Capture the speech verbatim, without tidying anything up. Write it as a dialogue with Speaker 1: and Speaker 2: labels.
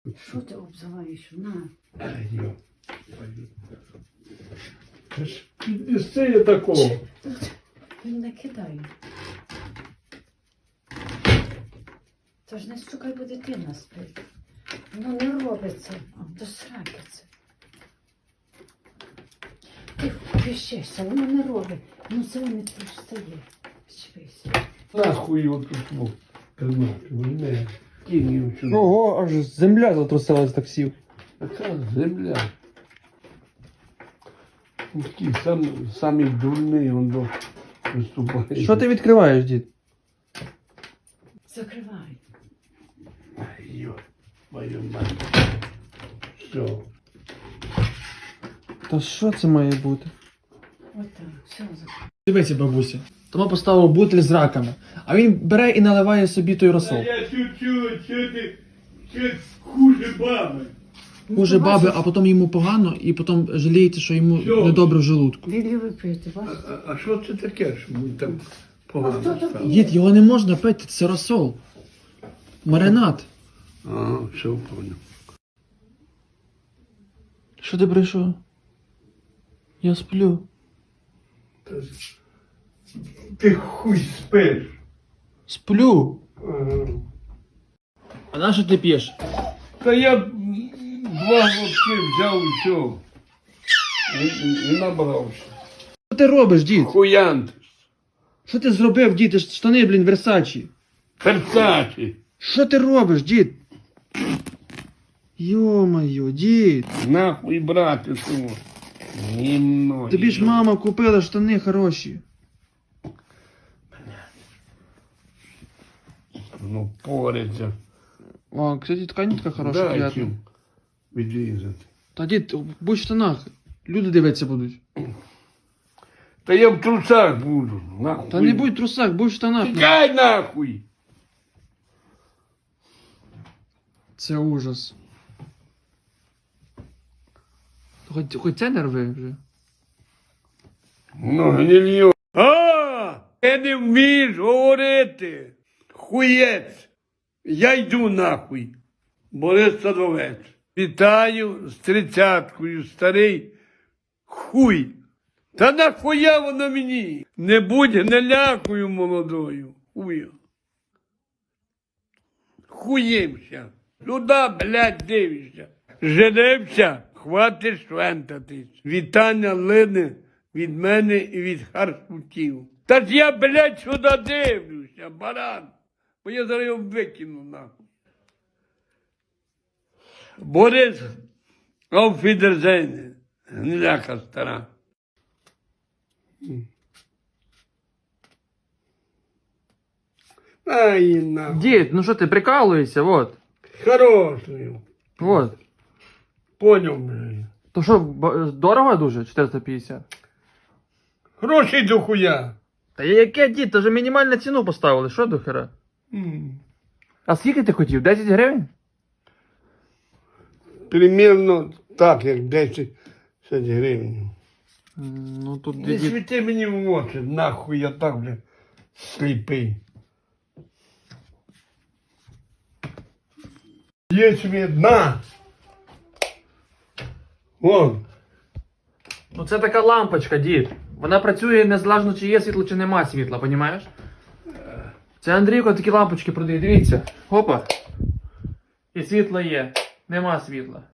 Speaker 1: Що ти обзиваєш? На.
Speaker 2: Ай, йо. Це ж підвести я такого.
Speaker 1: Він не кидає. Це ж не стукай, бо дитина спить. Воно не робиться. А, до сраки це. Ти вищешся, воно не робить. Ну це не встає. Чпися.
Speaker 2: Нахуй його тут був. Не, кинь його сюди.
Speaker 3: Ого, аж земля затрусилась так сів.
Speaker 2: Така земля. Такий сам, самий дурний він до виступає.
Speaker 3: Що ти відкриваєш, дід?
Speaker 1: Закривай.
Speaker 2: Ай, йо, мою мать. Все.
Speaker 3: Та що це має бути?
Speaker 1: Отак, все закривай.
Speaker 3: Дивися, бабуся. Тома поставив бутиль з раками, а він бере і наливає собі той розсол.
Speaker 2: Я чуть-чуть, що ти, що хуже баби.
Speaker 3: Хуже баби, а потім йому погано, і потім жаліється, що йому
Speaker 2: Що?
Speaker 3: недобре в желудку.
Speaker 1: Лілі випити, бачиш?
Speaker 2: А, а що це таке, що ми там
Speaker 1: А
Speaker 2: погано
Speaker 1: хто
Speaker 2: стало?
Speaker 1: такий?
Speaker 3: Дід, його не можна пити, це розсол. Маринад.
Speaker 2: Ага, все понял.
Speaker 3: Що ти прийшов? Я сплю.
Speaker 2: Ти хуй спиш.
Speaker 3: Сплю.
Speaker 2: Ага.
Speaker 3: А на що ти п'єш?
Speaker 2: Та я м, два глотки взяв і все. І, і, і набрався.
Speaker 3: Що ти робиш, дід?
Speaker 2: Хуянт.
Speaker 3: Що ти зробив, дід? Ти ж штани, блін, Версачі.
Speaker 2: Перцачі.
Speaker 3: Що ти робиш, дід? Йо-моє, дід.
Speaker 2: Нахуй брати того. Гімно.
Speaker 3: Тобі ж мама купила штани хороші.
Speaker 2: Ну, пориться.
Speaker 3: О, кстати, тканітка хороша,
Speaker 2: Дай
Speaker 3: приятна.
Speaker 2: чим відрізати.
Speaker 3: Та дід, будь в штанах. Люди дивитися будуть.
Speaker 2: Та я в трусах буду. Нахуй.
Speaker 3: Та не будь в трусах, будь в штанах.
Speaker 2: Тікай нахуй.
Speaker 3: Це ужас. Хоч, хоч це не рви вже.
Speaker 2: Ну, гнильо. А, ти не вмієш говорити. Хуєць. Я йду нахуй. Борис Садовець. Вітаю з тридцяткою, старий хуй. Та нахуя воно мені? Не будь гнилякою молодою. Хуя. Хуємся. Сюди, блядь, дивишся. Женився, хватить швентатись. Вітання лине від мене і від харсутів. Та ж я, блядь, сюди дивлюся, баран. Бо я зараз його викину, нахуй. Борис Ауфідерзейне, гниляка стара. Ай, нахуй.
Speaker 3: Дід, ну що ти прикалуєшся, вот.
Speaker 2: Хорошою.
Speaker 3: Вот.
Speaker 2: Поняв, блядь.
Speaker 3: То що, ба- дорого дуже? чотириста п'ятдесят?
Speaker 2: Грошей до хуя.
Speaker 3: Та яке, дід, то вже мінімальну ціну поставили, що до хера?
Speaker 2: М.
Speaker 3: А скільки ти хотів? десять гривень?
Speaker 2: Примірно так, як десять гривень.
Speaker 3: М, Ну тут
Speaker 2: Не
Speaker 3: дід.
Speaker 2: світи мені в очі, нахуй я так, бля, сліпий. Є світ, на! Вон.
Speaker 3: Ну це така лампочка, дід. Вона працює незалежно, чи є світло, чи нема світла, понімаєш? Це Андрійко такі лампочки продає, дивіться. Опа. І світло є, нема світла.